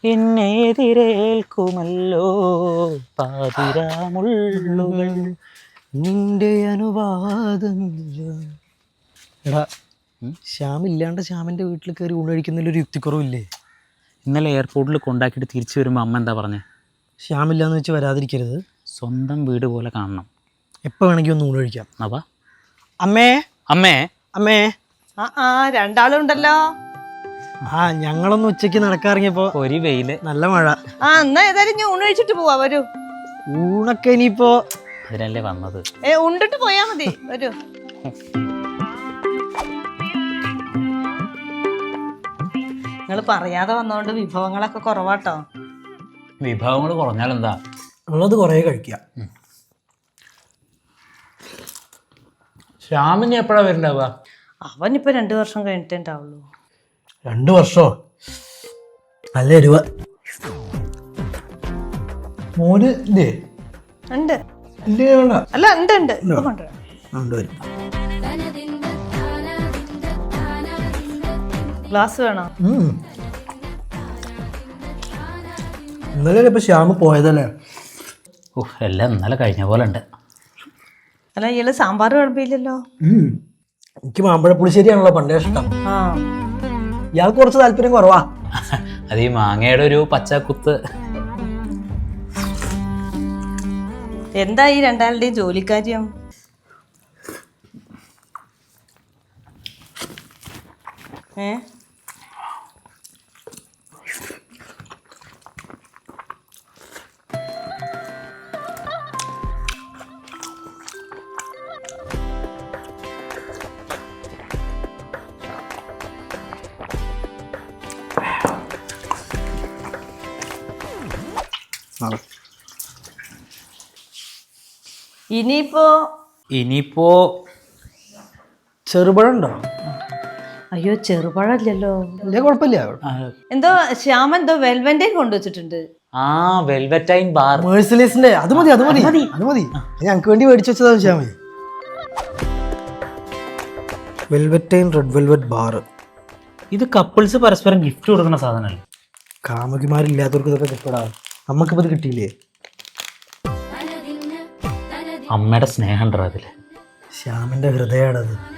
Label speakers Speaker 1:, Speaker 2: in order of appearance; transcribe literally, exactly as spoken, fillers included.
Speaker 1: എന്നെ എതിരേൽക്കുമല്ലോ പാതിരാമുള്ളുകൾ
Speaker 2: നിന്റെ അനുവാദം. എടാ ശ്യാമില്ലാണ്ട് ശ്യാമിൻ്റെ വീട്ടിൽ കയറി ഊണഴിക്കുന്നതിലൊരു യുക്തിക്കുറവില്ലേ?
Speaker 1: ഇന്നലെ എയർപോർട്ടിൽ കൊണ്ടാക്കിയിട്ട് തിരിച്ചു വരുമ്പോൾ അമ്മ എന്താ പറഞ്ഞേ?
Speaker 2: ശ്യാമില്ലാന്ന് വെച്ച് വരാതിരിക്കരുത്,
Speaker 1: സ്വന്തം വീട് പോലെ കാണണം,
Speaker 2: എപ്പോൾ വേണമെങ്കിൽ ഒന്ന് ഊണഴിക്കാം.
Speaker 1: അവാ
Speaker 2: അമ്മേ
Speaker 1: അമ്മേ
Speaker 2: അമ്മേ.
Speaker 3: ആ ആ രണ്ടാളുണ്ടല്ലോ.
Speaker 2: ആ ഞങ്ങളൊന്ന് ഉച്ചയ്ക്ക് നടക്കാറിങ്ങിയപ്പോ
Speaker 1: ഒരു വെയില്,
Speaker 2: നല്ല മഴ.
Speaker 3: ആ എന്നാ ഏതായാലും ഞാൻ ഊണ് കഴിച്ചിട്ട് പോവാ. വരൂ.
Speaker 2: ഊണൊക്കെ ഇനിയിപ്പോ
Speaker 1: അതിനല്ലേ വന്നത്.
Speaker 3: ഏ ഉണ്ടിട്ട് പോയാ മതി. വരൂ. നിങ്ങൾ പറയാതെ വന്നോണ്ട് വിഭവങ്ങളൊക്കെ കുറവാട്ടോ.
Speaker 1: വിഭവങ്ങൾ കുറഞ്ഞാലെന്താ,
Speaker 2: ഉള്ളത് കുറേ കഴിക്കാം.
Speaker 1: ശ്യാമിനി എപ്പോഴാ വരുന്നുണ്ടാവുക?
Speaker 3: അവനിപ്പോ രണ്ടു വർഷം കഴിഞ്ഞിട്ടേ ഉണ്ടാവുള്ളൂ.
Speaker 2: രണ്ടു വർഷോ? നല്ല എരിവ. മോന് ഇല്ലേ?
Speaker 3: ഉണ്ട്.
Speaker 2: ഇല്ലേ? വേണ്ട.
Speaker 3: അല്ല ഉണ്ട് ഉണ്ട്. ഇപ്പൊ കൊണ്ടുവരാം.
Speaker 2: കൊണ്ടുവരും.
Speaker 3: ഗ്ലാസ് വേണോ?
Speaker 2: ഇന്നലെ ഇപ്പൊ ശ്യാമ് പോയതല്ലേ?
Speaker 1: ഓ എല്ലാം ഇന്നലെ കഴിഞ്ഞ പോലെ ഉണ്ട്.
Speaker 3: അല്ല ഇയാള് സാമ്പാർ കുഴപ്പമില്ലല്ലോ.
Speaker 2: എനിക്ക് മാമ്പഴ പുളിശ്ശേരിയാണല്ലോ പണ്ടേ ഇഷ്ടം.
Speaker 3: ആ
Speaker 2: ഇയാൾക്ക് കുറച്ച് താല്പര്യം കുറവാ.
Speaker 1: അത് ഈ മാങ്ങയുടെ ഒരു പച്ചക്കുത്ത്.
Speaker 3: എന്താ ഈ രണ്ടാളുടെയും ജോലിക്കാര്യം? ഏ ഇനിയിപ്പോ
Speaker 1: ഇനിയിപ്പോ
Speaker 2: ചെറുപഴം ഉണ്ടോ?
Speaker 3: അയ്യോ ചെറുപഴല്ലോ.
Speaker 2: ഇല്ല കുഴപ്പമില്ല.
Speaker 3: എന്തോ ശ്യാമൻ എന്തോ വെൽവെന്റൈൻ കൊണ്ടുവച്ചിട്ടുണ്ട്.
Speaker 1: ആ വെൽവെറ്റൈൻ ബാർ
Speaker 2: മേഴ്സലേസിന്റെ അത് മതി അത് മതി അത് മതി. ഞങ്ങൾക്ക് വേണ്ടി മേടിച്ചു വെച്ചതാ ശ്യാമേ. Valentine red velvet bar.
Speaker 1: ഇത് കപ്പിൾസ് പരസ്പരം ഗിഫ്റ്റ് കൊടുക്കുന്ന സാധനമല്ലേ?
Speaker 2: കാമുകിമാരില്ലാത്തവർക്ക് ഇതൊക്കെ കിട്ടടാ. നമുക്കിപ്പോ ഇത് കിട്ടിയില്ലേ?
Speaker 1: അമ്മയുടെ സ്നേഹം ഉണ്ടോ അതില്?
Speaker 2: ശ്യാമിന്റെ ഹൃദയമാണത്.